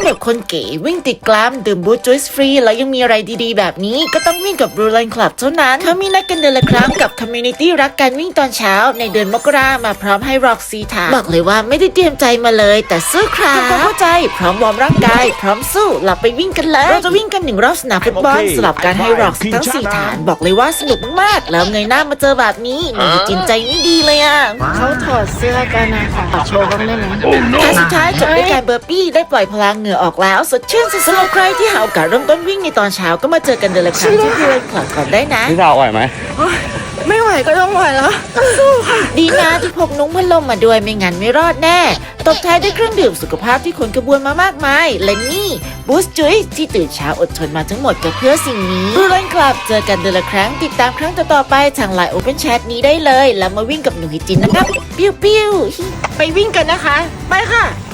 แบบคนเก๋วิ่งติดกลามดื่มบูสต์จุ๊ยส์ฟรีแล้วยังมีอะไรดีๆแบบนี้ก็ต้องวิ่งกับ Blue Line Club เท่านั้นเขามีนัดกันเดือนละครั้งกับคอมมูนิตี้รักการวิ่งตอนเช้าในเดือนมกรามาพร้อมให้ร็อกซีถามบอกเลยว่าไม่ได้เตรียมใจมาเลยแต่สู้ครับทำความเข้าใจพร้อมวอร์มร่างกายพร้อมสู้หลับไปวิ่งกันเลยเราจะวิ่งกัน1 รอบสนามฟุตบอลสลับการให้ร็อกทั้ง4ฐานบอกเลยว่าสนุกมากๆแล้วเงยหน้ามาเจอแบบนี้หนูจินใจไม่ดีเลยอ่ะเขาถอดเสื้อกันนะคะขอโชว์บ้างได้ไหมแต่สุดท้ายจบด้วยการเบอร์ปี้ได้ปล่อยพลังเหงื่อออกแล้วสดชื่นสุดๆสำหรับใครที่หาโอกาสเริ่มต้นวิ่งในตอนเช้าก็มาเจอกันเดือนละครั้งที่Blue Line Clubก่อนได้นะพี่สาวไหวไหมไม่ไหวก็ต้องไหวแล้วสู้ค่ะดีนะที่พกนุ้งพัดลมมาด้วยไม่งั้นไม่รอดแน่ตบท้ายด้วยเครื่องดื่มสุขภาพที่ขนกระบวนมามากมายและนี่บูสต์จุ๊ยที่ตื่นเช้าอดทนมาทั้งหมดก็เพื่อสิ่งนี้Blue Line Clubเจอกันเดือนละครั้งติดตามครั้งต่อๆไปทาง LINE Open Chat นี้ได้เลยแล้วมาวิ่งกับหนูฮิจินนะครับปิ้วๆไปวิ่งกันนะคะ ไปค่ะ